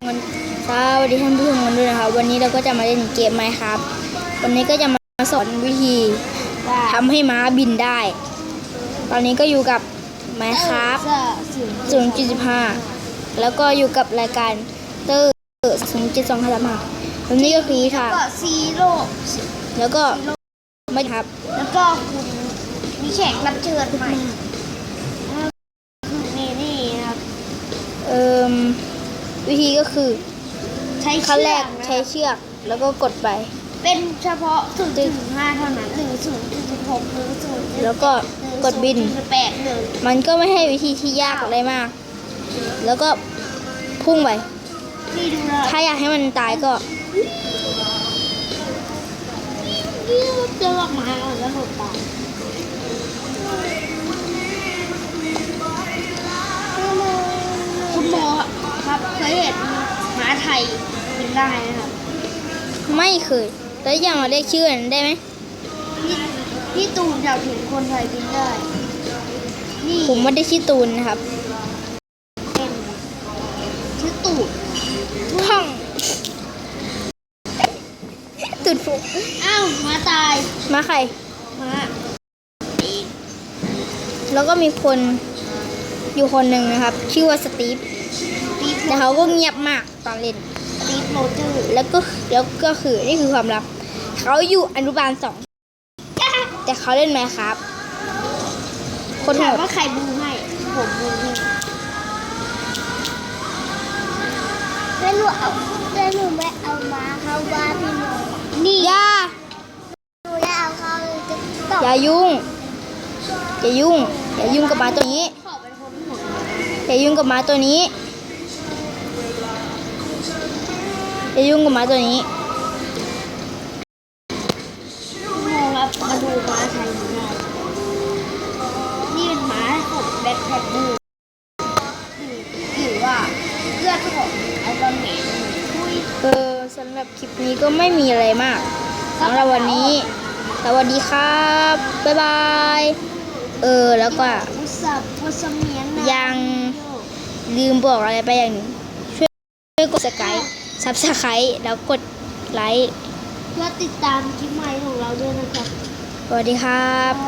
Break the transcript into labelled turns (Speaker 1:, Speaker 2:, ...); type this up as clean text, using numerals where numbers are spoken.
Speaker 1: สวัสดีท่านผู้ชมกันด้วยนะครับวันนี้เราก็จะมาเล่นเกมMinecraftวันนี้ก็จะมาสอนวิธีทำให้ม้าบินได้ ตอนนี้ก็อยู่กับ Minecraft 0.15 แล้วก็อยู่กับรายการเตอร์0.2ครับวันนี้ก็คือค่ะ
Speaker 2: ซีโร่
Speaker 1: แล้วก็ไม่ครับ
Speaker 2: แล้วก็คุณมีแขกรับเชิญใหม่นี่ครับ
Speaker 1: วิธีก็คือ
Speaker 2: ใช้
Speaker 1: ขั้นแรก
Speaker 2: ใช้
Speaker 1: ใช้เชือกแล้วก็กดไป
Speaker 2: เป็นเฉพาะ 0.5 เท่านั้น0.6 หรือ0.8
Speaker 1: แล้วก็กดบินมันก็ไม่ให้วิธีที่ยากอะไรมากแล้วก็พุ่งไปถ้าอยากให้มันตายก็
Speaker 2: จะลอกมาแล้วหดตายคุณหมอครับเคยเห็นม้าไทยบินได้นะครับ
Speaker 1: ไม่เคยแล้วยังมาเรียกชื่อนั้นได้ไหม
Speaker 2: พี่ตูนอยากเห็นคนไทยบินได้
Speaker 1: ผมไม่ได้ชื่อตูนนะครับ
Speaker 2: เป็นชื่อตูด
Speaker 1: ท่องตูดฟุก
Speaker 2: อ้าวม้าตาย
Speaker 1: ม้าใคร
Speaker 2: ม้า
Speaker 1: แล้วก็มีคนอยู่คนหนึ่งนะครับชื่อว่าสตีฟแต่เขาก็เงียบมากตอนเล่น
Speaker 2: สตีฟโรเจอร์
Speaker 1: แล้วก็คือนี่คือความลับเขาอยู่อนุบาล2แต่เขาเล่นMinecraftคน
Speaker 2: ถามว่าใครบูให้ผมบูให้แล้วหนูไม่เอามาเข้าบ้านพี่หนูนี่หนูจะเอาเขา
Speaker 1: อย่ายุ่งกับหมาตัวนี้อย่ายุ่งกับหมาตัวนี้
Speaker 2: ครับมาดูม้าไทยได้นี่เป็นม้าของแบ็คแพคเกอร์หรือว่าเพื่อนของไอรอนแมน
Speaker 1: สำหรับคลิปนี้ก็ไม่มีอะไรมากสำหรับวันนี้สวัสดีครับบ๊ายบายแล้วก็ยังลืมบอกอะไรไปอย่างหนึ่งช่วยกดซับสไครต์แล้วกดไลค์
Speaker 2: เพื่อติดตามคลิปใหม่ของเราด้วยนะครับ
Speaker 1: สวัสดีครับ